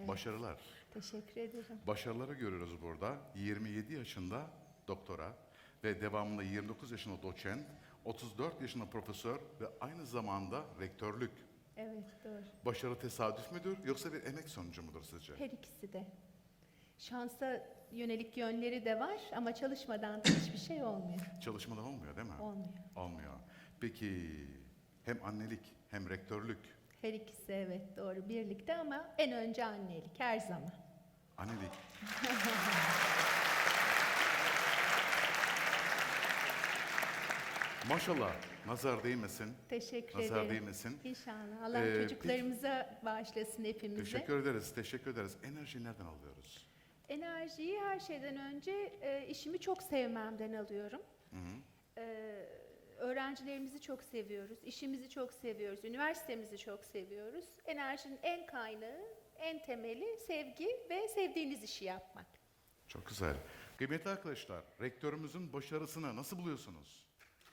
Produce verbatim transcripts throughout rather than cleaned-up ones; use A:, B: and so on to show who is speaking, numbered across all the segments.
A: Evet.
B: Başarılar.
A: Teşekkür ederim.
B: Başarıları görüyoruz burada. yirmi yedi yaşında doktora ve devamında yirmi dokuz yaşında doçent, otuz dört yaşında profesör ve aynı zamanda rektörlük.
A: Evet, doğru.
B: Başarı tesadüf müdür yoksa bir emek sonucu mudur sizce?
A: Her ikisi de. Şansa yönelik yönleri de var ama çalışmadan da hiçbir şey olmuyor.
B: Çalışmadan olmuyor değil mi?
A: Olmuyor.
B: Olmuyor. Peki hem annelik hem rektörlük.
A: Her ikisi evet doğru birlikte ama en önce annelik her zaman.
B: Annelik. Maşallah, nazar değmesin.
A: Teşekkür
B: Nazar
A: ederim.
B: değmesin.
A: İnşallah. Allah
B: Ee,
A: çocuklarımıza bağışlasın hepimize.
B: Teşekkür ederiz, teşekkür ederiz. Enerjiyi nereden alıyoruz?
A: Enerjiyi her şeyden önce e, işimi çok sevmemden alıyorum.
B: Hı hı.
A: E, öğrencilerimizi çok seviyoruz, işimizi çok seviyoruz, üniversitemizi çok seviyoruz. Enerjinin en kaynağı, en temeli sevgi ve sevdiğiniz işi yapmak.
B: Çok güzel. Kıymetli arkadaşlar, rektörümüzün başarısını nasıl buluyorsunuz?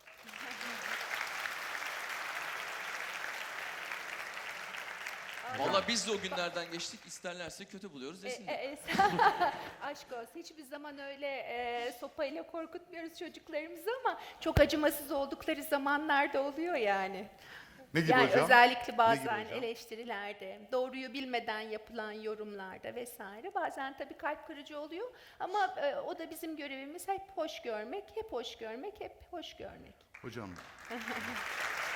C: Valla biz de o günlerden geçtik. İsterlerse kötü buluyoruz
A: E,
C: desinler.
A: e, e, aşk olsun. Hiçbir zaman öyle e, sopayla korkutmuyoruz çocuklarımızı ama çok acımasız oldukları zamanlar da oluyor yani.
B: Ne gibi
A: Yani
B: hocam?
A: özellikle
B: Ne
A: bazen
B: gibi hocam?
A: eleştirilerde, doğruyu bilmeden yapılan yorumlarda vesaire bazen tabii kalp kırıcı oluyor ama e, o da bizim görevimiz hep hoş görmek, hep hoş görmek, hep hoş görmek.
B: Hocam,